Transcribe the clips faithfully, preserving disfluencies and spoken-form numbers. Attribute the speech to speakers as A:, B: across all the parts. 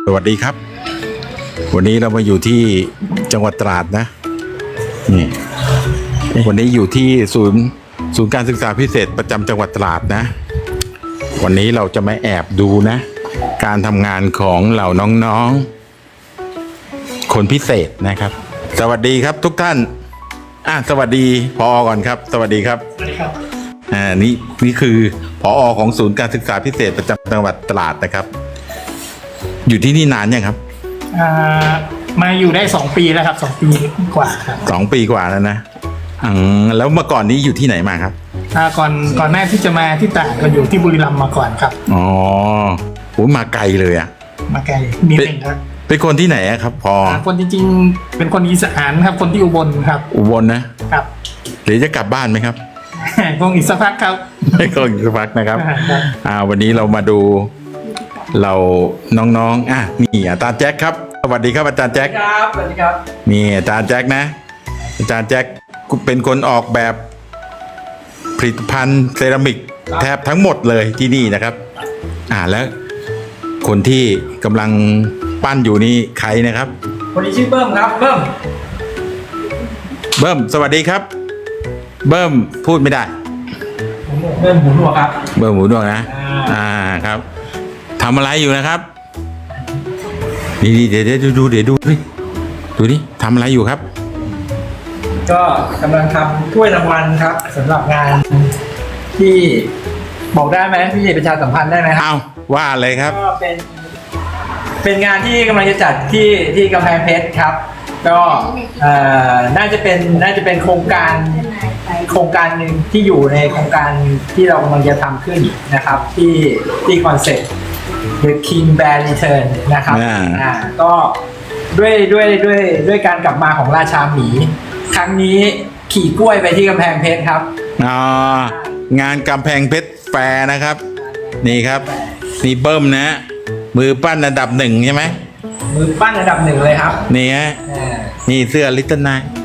A: สวัสดีครับวันนี้เรามาอยู่ที่จังหวัดตราดนะนี่วันนี้อยู่ที่ศูนย์ศูนย์การศึกษาพิเศษประจำจังหวัดตราดนะวันนี้เราจะมาแอบดูนะการทำงานของเหล่าน้องๆคนพิเศษนะครับสวัสดีครับทุกท่านอ่ะสวัสดีผอ.ก่อนครับสวัสดีครับ
B: สวัสดีครับ
A: อ่านี่นี่คือผอ.ของศูนย์การศึกษาพิเศษประจำจังหวัดตราดนะครับอยู่ที่นี่นานยังครับ
B: อ่ามาอยู่ได้สองปีแล้วครับสองปีกว่าครับ
A: สองปีกว่าแล้วนะอืมแล้วเมื่อก่อนนี้อยู่ที่ไหนมาครับ
B: อ่าก่อนก่อนหน้าที่จะมาที่ตราดก็อยู่ที่บุรีรัมย์มาก่อนครับ
A: อ๋อโหมาไกลเลยอ่ะ
B: มาไกลนิดนึงครับ
A: เป็นคนที่ไหนครับพอ
B: คนจริงๆเป็นคนอีสานครับคนที่อุบลครับ
A: อุบลนะครับหรือจะกลับบ้านไหมครับ
B: คงอีกสักพักครับ
A: ไม่คงอีกสักพักนะครับอ่าวันนี้เรามาดูเราน้องๆอ่ะนี่อาจารย์แจ็คครับสวัสดีครับอาจารย์แจ็ค
B: ครับสวัสดีครับ
A: นี่อาจารย์แจ็คนะอาจารย์แจ็คเป็นคนออกแบบผลิตภัณฑ์เซรามิกแทบทั้งหมดเลยที่นี่นะครับอ่าแล้วคนที่กำลังปั้นอยู่นี่ใครนะครับ
B: คนนี้ชื่อเบิ้มครับเบิ้ม
A: เบิ้มสวัสดีครับเบิ้มพูดไม่ได้
B: เบิ้มหูหนวกครับ
A: เบิ้มหูหนวกนะอ่าครับทำอะไรอยู่นะครับนี่เดี๋ยวเดี๋ยวดูเดี๋ยวดูดิดูดิทำอะไรอยู่ครับ
B: ก็กำลังทำถ้วยรางวัลครับสำหรับงานที่บอกได้ไหมพี่ประชาสัมพันธ์ได้ไหมครับ
A: อ้าวว่าเลยครับ
B: ก็เป็นเป็นงานที่กำลังจะจัดที่ที่กำแพงเพชรครับก็น่าจะเป็นน่าจะเป็นโครงการโครงการหนึ่งที่อยู่ในโครงการที่เรากำลังจะทำขึ้นนะครับที่ที่คอนเซ็ปต์ The King Bear Return นะครับอ่าก็ด้วยด้วยด้วยด้วยการกลับมาของราชาหมีครั้งนี้ขี่กล้วยไปที่กำแพงเพชรครับ
A: อ๋องานกำแพงเพชรแฟร์นะครับนี่ครับนี่เบิ้มนะมือปั้นอันดับหนึ่งใช่ไหม
B: มือปั้นอันดับหนึ่งเลยครับ
A: นี่ฮะนี่เสื้อลิตเติ้ลไนท์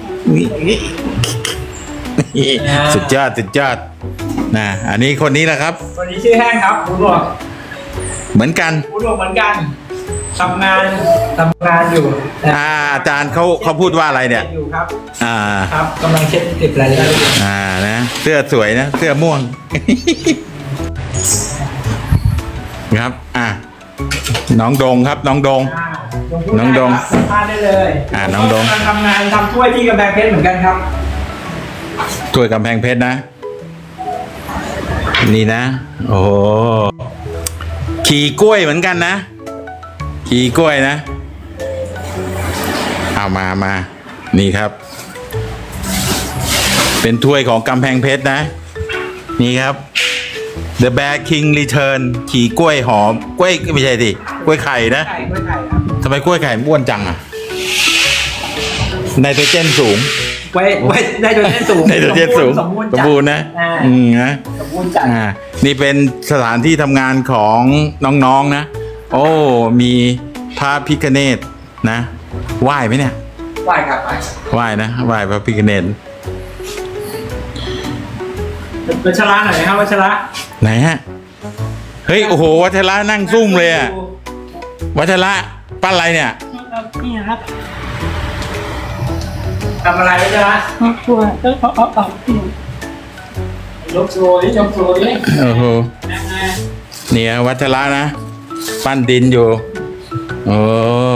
A: นี่สุดยอดสุดยอดนะอันนี้คนนี้แหละครับ
B: คนนี้ชื่อแห้งครับคุณหลวง
A: เหมือนกัน
B: คุณหลวงเหมือนกันทำงานทำงานอยู่
A: อ่าอาจารย์เขาเขาพูดว่าอะไรเนี่ย
B: อยู่ครับ
A: อ่า
B: ครับกำลังเช็ดเก็บรายละเอียด
A: อ่านะเสื้อสวยนะเสื้อม่วงครับอ่าน้องดงครับน้องดงน้องดง
B: สัมภาษณ์ได้เลย
A: อ่าน้องดง
B: ทำงานทำถ้วยที่กำแพงเพชรเหมือนกันครับ
A: ถ้วยกำแพงเพชรนะนี่นะโอ้ขี่กล้วยเหมือนกันนะขี่กล้วยนะเอามามานี่ครับเป็นถ้วยของกำแพงเพชรนะนี่ครับ The Bear King Return ขี่กล้วยหอมกล้วยไม่ใช่สิกล้วยไข่นะ
B: กล้วยไข่ครับ
A: ทำไมกล้วยไข่อ้วนจังอ่ะไนโตรเจนสูง
B: ไว้ไว้ไนโตรเจนสูง
A: ไนโตรเจนสูงสมบูรณ์นะอืมนะ
B: สมบูรณ์จัด
A: อ่านี่เป็นสถานที่ทำงานของน้องๆนะโอ้มีพระพิฆเนศนะไหว้ไหมเนี่ย
B: ไหว้ครับไหว้
A: ไหว้นะไหว้พระพิฆเนศ
B: วัชระหน่อยครับวัชระ
A: ไหนฮะเฮ้ยโอ้โหวัชระนั่งซุ่มเลยอะวัชระปั้นอะไรเนี่ย
B: นี่ครับทำอะไรวัชระตัวเออเอาเอาเอายกโชว์ดิยกโชว์ดิ
A: โอ้โหเนี่ยวัชระนะปั้นดินอยู่โอ้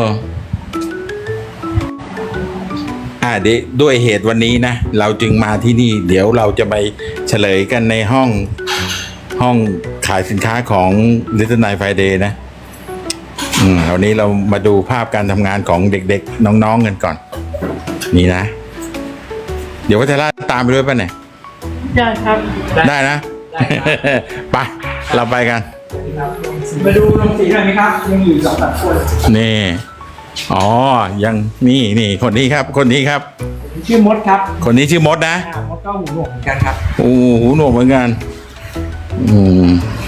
A: อ่าดิด้วยเหตุวันนี้นะเราจึงมาที่นี่เดี๋ยวเราจะไปเฉลยกันในห้องห้องขายสินค้าของ Little Night Friday นะอืมวันนี้เรามาดูภาพการทำงานของเด็กๆน้องๆกันก่อนนี่นะเดี๋ยววัชระตามไปด้วยป่ะเนี่ย
B: ได้ครับ
A: ได้นะไปเราไปกัน
B: มาดูลงสีหน่อยไหมครับยังอยู่สองสามคน
A: นี่อ๋อยังนี่นี่คนนี้ครับคนนี้ครับ
B: ชื่อมดครับ
A: คนนี้ชื่อมดนะ
B: มดก็หูหนวกเหมือนกันครับ
A: โอ้หูหนวกเหมือนกันอืม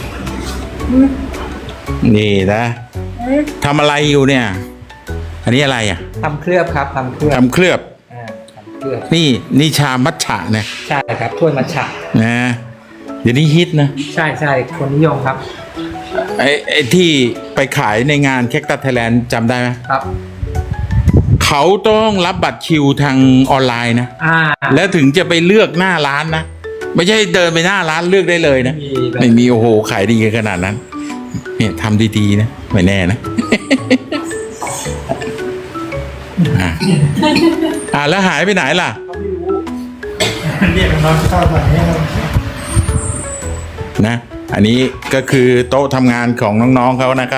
A: นี่นะทำอะไรอยู่เนี่ยอันนี้อะไรอ่ะ
B: ทำเคลือบครับทำเคลือบ
A: ทำเคลือบนี่นี่ชามัทฉะนะ
B: ใช่ครับถ้วยมัทฉะ
A: นะเดี๋ยวนี้ฮิตนะ
B: ใช่ใช่คนนิยมครับ
A: ไอ้ไอ้ที่ไปขายในงานแคคตัสไทยแลนด์จำได้ไหม
B: ครับ
A: เขาต้องรับบัตรคิวทางออนไลน์นะ
B: อ่า
A: แล้วถึงจะไปเลือกหน้าร้านนะ ไม่ใช่เดินไปหน้าร้านเลือกได้เลยนะ
B: ไม่มีแบบ
A: ไม่มีโอ้โหขายดีขนาดนั้น เนี่ยทำดีๆนะไม่แน่นะ อ่ะอ่ะแล้วหายไปไหนล่ะ
B: เขาไม่รู้เรียกน้องเข้ามาให้เรา
A: นะ อันนี้ก็คือโต๊ะทำงานของน้องๆเขานะครับ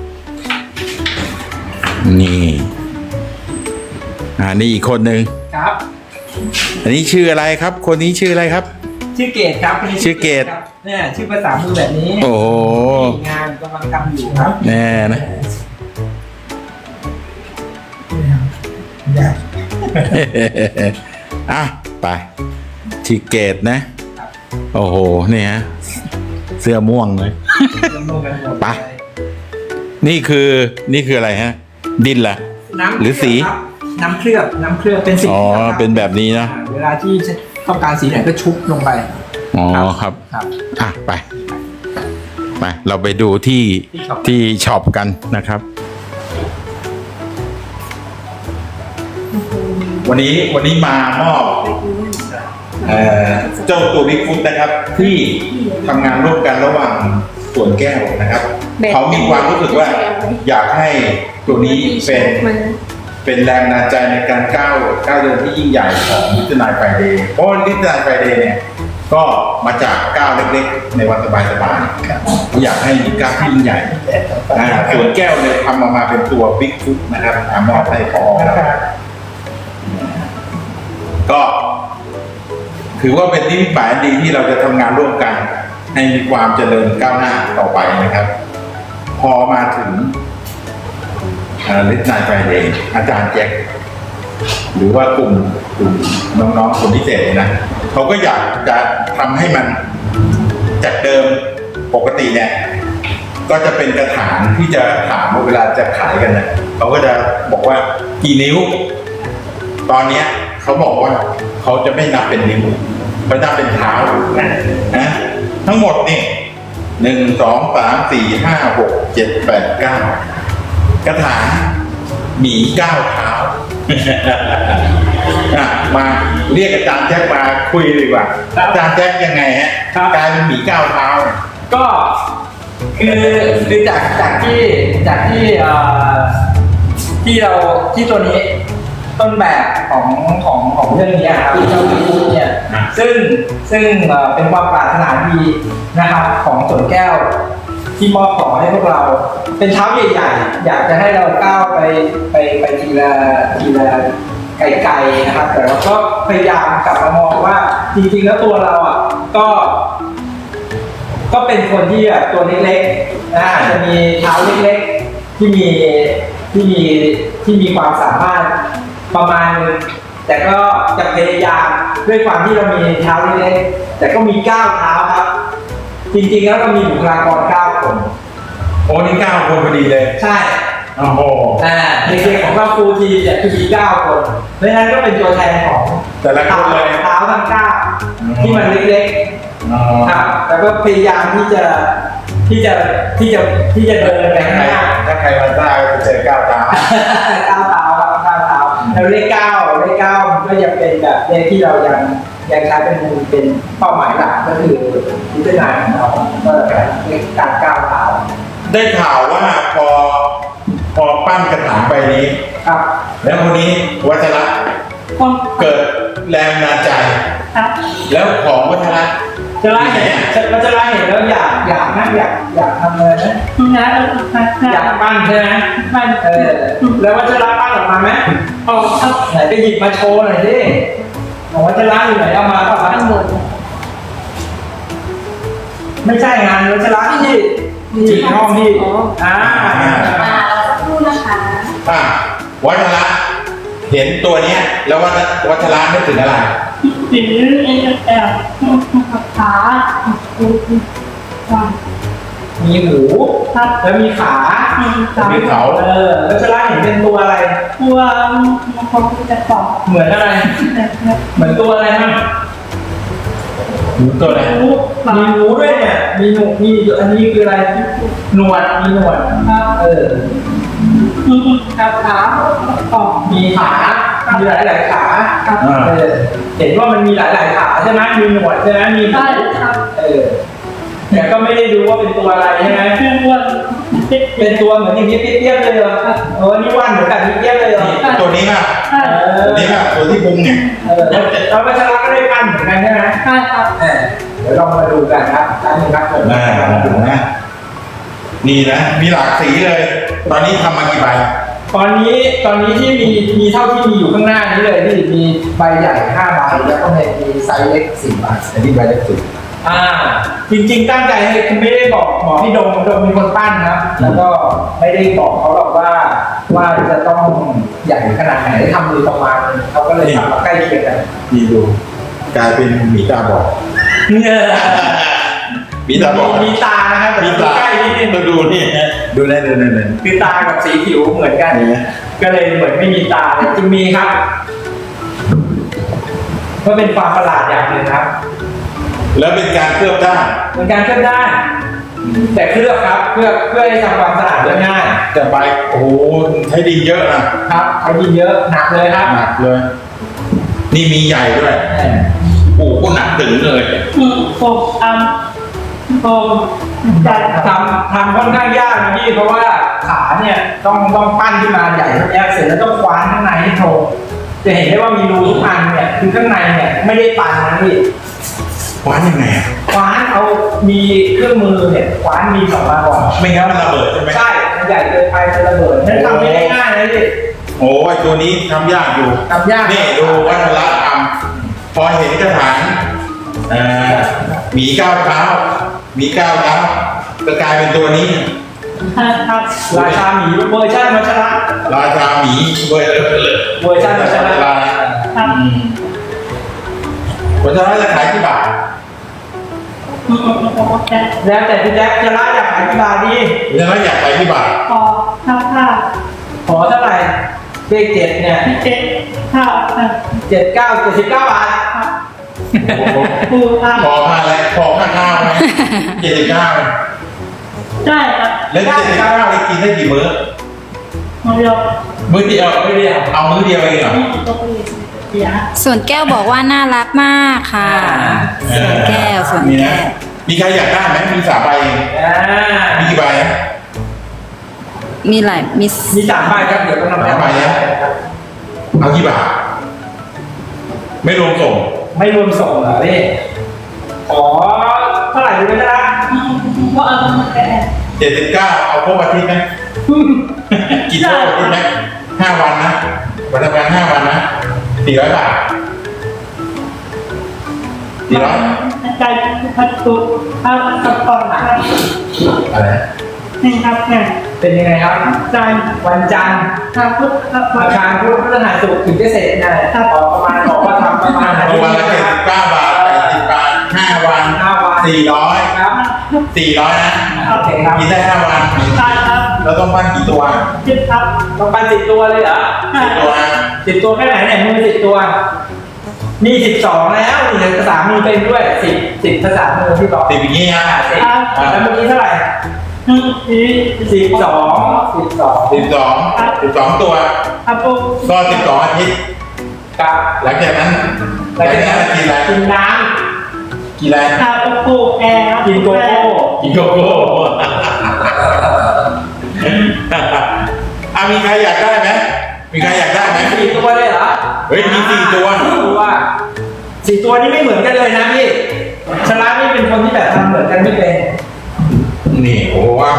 A: นี่ อ่านี่อีกคนหนึ่ง
B: ครับ
A: อันนี้ชื่ออะไรครับ คนนี้ชื่ออะไรครับ
B: ชื่อเกตครับคนนี้
A: ชื่อเกต
B: ครับเนี่ยชื่อภาษามือแบบนี้
A: โอ้โห
B: นี่งานกำลังทำอยู่ครับ
A: แน่นะ อ่ะไปทีเกตนะ โอ้โหเนี่ยเสื้อม่วงเลย ไป นี่คือนี่คืออะไรฮะ ดินเหรอ
B: น้ำ
A: หรือสี
B: ครับน้ำเคลือบน้ำเคลือบเป็นสี
A: อ๋อ
B: ครั
A: เป็นแบบนี้นะ
B: อ่าเวลาที่ต้องการสีไหนก็ชุบลงไป
A: อ๋อครับ
B: ครับ
A: อ่ะไป ไป เราไปดูที่
B: ที่ช็อป
A: ที่ช็อปกันนะครับ วันนี้วันนี้มามอบเอ่อเจ้าตัวบิ๊กฟุตนะครับ ที่ทำงานร่วมกันระหว่างสวนแก้วนะครับ เขามีความรู้สึกว่าอยากให้ตัวนี้เป็นเป็นแรงบันดาลใจในการก้าวก้าวเดินที่ยิ่งใหญ่ของลิตเติ้ลไนท์ไฟเดย์เพราะลิตเติ้ลไนท์ไฟเดย์เนี่ยก็มาจากก้าวเล็กๆ ในวันสบายๆอยากให้มีก้าวที่ยิ่งใหญ่อ่าสวนแก้วเลยทำออกมาเป็นตัวบิ๊กฟุตนะครับอามอบให้พอครับก็ถือว่าเป็นนิมิตหมายอันดีที่เราจะทำงานร่วมกัน ให้มีความเจริญก้าวหน้าต่อไปนะครับ พอมาถึงลิทนายไฟเดย์อาจารย์แจ็คหรือว่ากลุ่มกลุ่มน้องๆคนพิเศษนะเขาก็อยากจะทำให้มันจากเดิมปกติเนี่ย ก็จะเป็นกระถางที่จะถามว่าเวลาจะขายกันนะเขาก็จะบอกว่ากี่นิ้ว ตอนเนี้ยเขาบอกว่าเขาจะไม่นับเป็นนิ้วเขานับเป็นเท้านะนะทั้งหมดนี่หนึ่งสองสามสี่ห้าหกเจ็ดแปดเก้ากระถางหมีเก้าเท้า อ่ะมาเรียกอาจารย์แจ็คมาคุยดีกว่าอาจารย์แจ็คยังไงฮะกลายเป็นหมีเก้าเท้าเนี่ย
B: ก็คือคือจากจากที่จากที่เอ่อที่เราที่ตัวนี้ต้นแบบของของของเรื่องนี้ครับที่เจ้าบิ๊กฟุตเนี่ยซึ่งซึ่งเอ่อเป็นความปรารถนาดีนะครับของสวนแก้วที่มอบต่อให้พวกเราเป็นเท้าใหญ่ๆอยากจะให้เราก้าวไปไปไปทีละทีละไกลๆนะครับแต่เราก็พยายามกลับมามองว่าจริงๆแล้วตัวเราอ่ะก็ ก็เป็นคนที่แบบตัวเล็กๆนะอาจจะมีเท้าเล็กๆที่มีที่มีที่มีความสามารถประมาณนึงแต่ก็จะพยายามด้วยความที่เรามีเท้าเล็กๆแต่ก็มีเก้าเท้าครับ จริงๆแล้วเรามีบุคลากรเก้าคน
A: โอ้นี่เก้าคนพอดีเลย
B: ใช่
A: โอ้โห
B: อ่าเด็กๆของเราฟูลทีมเนี่ยคือมีเก้าคนเพราะฉะนั้นก็เป็นตัวแทนของ
A: แต่ละคนเลย
B: เท้าทั้งเก้าที่มันเล็กๆ
A: อ๋อ
B: ครับแล้วก็พยายามที่จะที่จะที่จะที่จะเดินไป
A: ถ้า
B: ข้าง
A: ใคร
B: หน้า
A: ถ้าใครมาได้ก็จะเจอเก้าเท้า
B: ก้าวเท้าครับก้าวเท้าแล้วเลขเก้าเลขเก้ามันก็ยังเป็นแบบเลขที่เรายังยังใช้เป็นมูลเป็นเป้าหมายหลักก็คือพิจารณาของเราก็เลขการก้าวเท้า
A: ได้ข่าวว่าพอพอปั้นกระถางใบนี้
B: ครับ
A: แล้วคนนี้วัชระเกิดแรงบันดาลใจ
C: ครับ
A: แล้วของวัชระ
B: จะไล่เห็นจะจะไล่เห็นแล้วอยากอยากนะอยากอยากทำเลยนะ
C: นะเออมา
B: อยากปั้นใช่ไหม
C: บ้าน
B: เออแล้ววัชระปั้นออกมาไหม
C: ออกครับ
B: ไหนไปหยิบมาโชว์หน่อยดิบอกวัชระอยู่ไหนเอามาเปล่า
C: ข้างบน
B: ไม่ใช่งานวัชระที่ที่ห้องที่อ่า
C: อ่าเราสักครู่นะคะ
A: อ่ะวัชระเห็นตัวเนี้ย แล้ววัชวัชระนึกถึงอะไร
C: สีเอ็นแอบขาอ่า
B: มีหู
C: ครับ
B: แล้วมีขา
C: ขา
A: มีเขา
B: เออวัชระเห็นเป็นตัวอะไร
C: ตัวมันคงจะตอบ
B: เหมือนอะไร
C: แบบ
B: เหมือนตัวอะไรมั่ง
A: หมูตัวอะไร
C: รู้หมา
B: มีหนูด้วยเนี่ย มีหนูมีอันนี้คืออะไร หนวด มีหนวด
C: ครับ
B: เออ
C: ครับขาต่อ
B: มีขา มีหลายหลายๆขา
C: ครับ
B: เออ เห็นว่ามันมีหลายหลายๆขาใช่ไหมมีหนวดใช่ไหมมี
C: ได้ครับ
B: เออแต่ก็ไม่ได้ดูว่าเป็นตัวอะไรใช่ไหม
C: เพื่อนอ้วนเด็ก
B: เป็นตัวเหมือนอย่างนี้เปี้ยๆเลยเหรอเออนี่ว่านเหมือนกันนี่เปี้ยเลยเหรอ
A: ตัวนี้ป่ะ
C: ใช่
B: เออ
A: ตัวนี้ป่ะตัวที่พุงเนี่ย
B: เออแล้วเราไปชนะก็ได้ปั้นเหมือนกันใช่ไหม
C: ใช่ครับ
B: เออเดี๋ยวเรามาดูกันครับท่านนี้ครับผม
A: อ่านะนี่นะมีหลากสีเลย ตอนนี้ทำมากี่ใบ
B: ตอนนี้ตอนนี้ที่มีมีเท่าที่มีอยู่ข้างหน้านี้เลยที่มีใบใหญ่ห้าใบแล้วก็มีไซส์เล็กสี่ใบ
A: อันนี้ใบเล็กสุด
B: อ่า จริงๆตั้งใจให้คือไม่ได้บอกหมอพี่ดมดมเป็นคนปั้นนะแล้วก็ไม่ได้บอกเขาหรอกว่าว่าจะต้องใหญ่ขนาดไหนทำมือประมาณนึงเขาก็เลยทำมาใกล้เคียงกัน
A: นี่ดูกลายเป็นหมีตาบอด
B: เงอ
A: หมีตาบอด
B: มีตานะครับ
A: มีตา
B: ใกล้นิดนึง
A: ต้องดูนี่ฮะดูได้เลยนั่น
B: คือตากับสีผิวเหมือนกัน
A: นี่นะ
B: ก็เลยเหมือนไม่มีตาแต่จริงมีครับก็เป็นความประหลาดอย่างหนึ่งครับ
A: แล้วเป็นการเคลือบด้าน
B: เป็นการเคลือบได้ แต่เคลือบครับเพื่อเพื่อให้ทำความสะอาดได้ง่าย
A: แต่ใบโอ้โหใช้ดินเยอะนะครับ
B: ใช้ดินเยอะหนักเลยครับ
A: หนักเลย นี่มีใหญ่ด้วยโอ้โหหนักถึงเลย
C: อืมผมทำผมจัด
B: ทำทำค่อนข้างยากนะพี่เพราะว่าขาเนี่ยต้องต้องปั้นขึ้นมาใหญ่เท่านี้เสร็จแล้วต้องคว้านข้างในให้ตรงจะเห็นได้ว่ามีรูทุกอันเนี่ยคือข้างในเนี่ยไม่ได้ปันนะพี่
A: คว้านยังไงอะ
B: คว้านเอามีเครื่องมือเนี่ยคว้านมีสองมาก่อน
A: ไม่งั้นมันระเบิดใช่ไหม
B: ใช่มันใหญ่เกินไปจะระเบิดนั่นทำไม่ได้ง่ายนะพี่
A: โอ้ยตัวนี้ทำยากอยู่
B: ทำยาก
A: นี่ดูวัฒนธรรมพอเห็นกระถางเอ่อหมีก้าวเท้าหมีก้าวเท้าก็กลายเป็นตัวนี้
C: ครับ
B: ราชาหมีเวอร์ชันวัชระ
A: ราชาหมีเว้ยเลยเลย
B: เวอร์ชันวัชระ
A: รา
C: ครับ
A: อืมวัชระจะขายกี่บาท
C: อืมผมจะ
B: แล้วแต่พี่แจ๊คจะละอยากขายกี่บาทดี
A: วัชระอยากขายกี่บาท
C: ขอข้าวข้าว
B: ขอเท่าไหร่เลขเจ็ดเนี่ย
C: เจ็ดข้าวครับ
B: เจ็ดเก้าเจ็ดสิบเก้าบาท
A: โอ้โห
C: ปูครับ
A: พอค่าอะไรพอค่าข้าวไหมเจ็ดสิบเก้า
C: ได้ครับ
A: แล้วเจ็ดสิบเก้าได้กินได้กี่มื้อ
C: มาเรียก
A: มื้อเดียว
B: ไม่เรียก
A: เอามื้อเดียวเองเหรอ
C: นี่ตัวเองเสีย
D: ส่วนแก้วบอกว่าน่ารักมากค่ะ ส่วนแก้วส่วน
A: นี่
D: แก้
A: นะ
D: ว
A: มีใครอยากได้ไหมมีสามใบเอง
B: อ่า
A: มีกี่ใบนะ
D: มีหลายมี
B: มีสามใบครับเดี๋ยวต้องทำ
A: สามใบนะ เอากี่บาท ไม่รวมส่ง
B: ไม่รวมส่งเหรอพี่ขอเท่าไหร่ดีไหมจ๊ะ
C: ว่าเอามาแกะ
A: เจ็ดสิบเก้าเอาครบอาทิตย์ไหมกี่ครบอาทิตย์ไหมห้าวันนะวันทำงานห้าวันนะสี่ร้อยบาทสี่ร้อย
C: ใจพัดตุกข้าวกระป๋องครับ
A: อะไรนะ
C: นี่ครับเนี่ย
B: เป็นยังไงครับ
C: ใจ
B: วันจันทร์
C: ข้าวพุทธครับ
B: อาคารพุธพฤหัสศุกร์ถึงจะเสร็จนะออกประมาณบอกว่าทำประมาณอา
A: ป
B: ทิ
A: ระ
B: ตย์
A: มาณ
B: นี้
A: เจ็ด
B: นะค
A: สิ
B: รับบ
A: เก้าบาทแปดสิบบาทห้าวัน
B: ห้าวัน
A: สี่ร้อย
B: ครับ
A: สี่ร้อยนะ
B: โอเคครับ
A: กินได้ห้าวัน
C: ใช่ครับ
A: เราต้องปั้นกี่ตัว
C: คิดครับ
B: ต้องปันสิบตัวเลยเหรอ
C: ใช่
A: สิบตัวนะ
B: สิบตัวแค่ไหนเนี่ยมือสิบตัวนี่สิบสองแล้วนี่ภาษามือเป็นด้วยสิบสิบภาษามือที่บอก
A: สิบอย่างนี้นะ
B: อ่าสิบแล้วเมื่อกี้เท่าไหร่
C: อืมสี
B: สิบสองสิบสอง
A: สิบสองสิบสองตัว
C: ครับผม
A: ก็สิบสองอาทิตย์
B: กับ
A: หลังจากนั้นห
B: แล้
A: ลั
B: ว
A: ง
B: ก็
A: จากนั้นกินอะไร
B: กินน้
A: กินอะไร
C: ข้าวโพดแอร์
B: ำกินโกโก้
A: กินโกโก้ อ่ะมีใครอยากได้ไหมมีใครอยากได้ไหม
B: สี่ตัวเลยเหรอ
A: เฮ้ยมีสี่ตัว
B: สี่ตัวสี่ตัวนี้ไม่เหมือนกันเลยนะพี่ชลานี่เป็นคนที่แบบทำเหมือนกันไม่เป็น
A: นี่โอ้โหเอา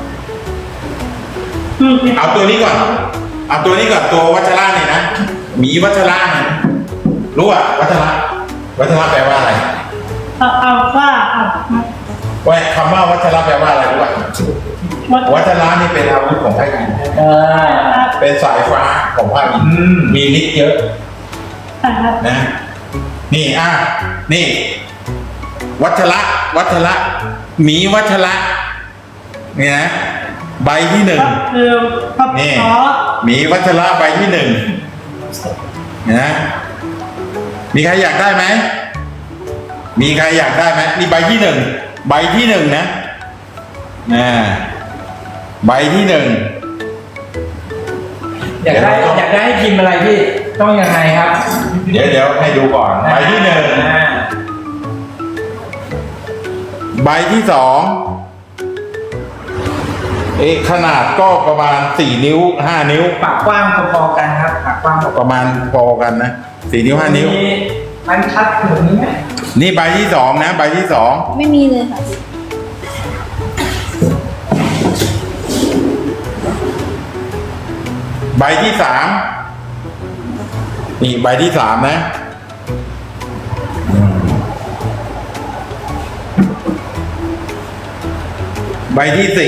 C: อืม
A: เอาตัวนี้ก่อน เอาตัวนี้ก่อนตัววัชระเนี่ยนะหมีวัชระเนี่ยรู้อ่ะวัชระวัชระแปลว่าอะไร
C: เอาเอาว่าเอา
A: ว่าคำว่าวัชระแปลว่าอะไรรู้ป่ะ
C: วัด
A: วัชระนี่เป็นอาวุธของพระอินทร์
B: เออ
A: เป็นสายฟ้าของพระอินทร์
B: อืม
A: มีฤทธิ์เยอะ
C: ครับ
A: นะ นี่อ่ะนี่ วัชระวัชระหมีวัชระเนี่ยนะใบที่หนึ่ง
C: คือครับ
A: นี่
C: ขอ
A: หมีวัชระใบที่หนึ่งนะมีใครอยากได้ไหมมีใครอยากได้ไหมนี่ใบที่หนึ่งใบที่หนึ่งนะอ่าใบที่หนึ่ง
B: อยากได้อยากได้ให้พิมพ์อะไรพี่ต้องยังไงครับ
A: เดี๋ยวเดี๋ยวให้ดูก่อนใบที่หนึ่ง
B: อ่า
A: ใบที่สองเอ๊ะขนาดก็ประมาณสี่นิ้วห้านิ้ว
B: ปากกว้างพอๆกันครับปากกว้างพอ
A: ประมาณพอกันนะสี่นิ้วห้านิ้ว
B: มีมันชัดเหมือนนี้ไหม
A: นี่ใบที่สองนะใบที่สอง
D: ไม่มีเลยค่ะ
A: ใบที่สามนี่ใบที่สามนะอืมใบที่สี่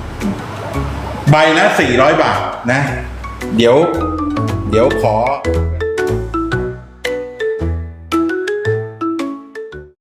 A: ใบละสี่ร้อยบาทนะ เดี๋ยว เดี๋ยวขอ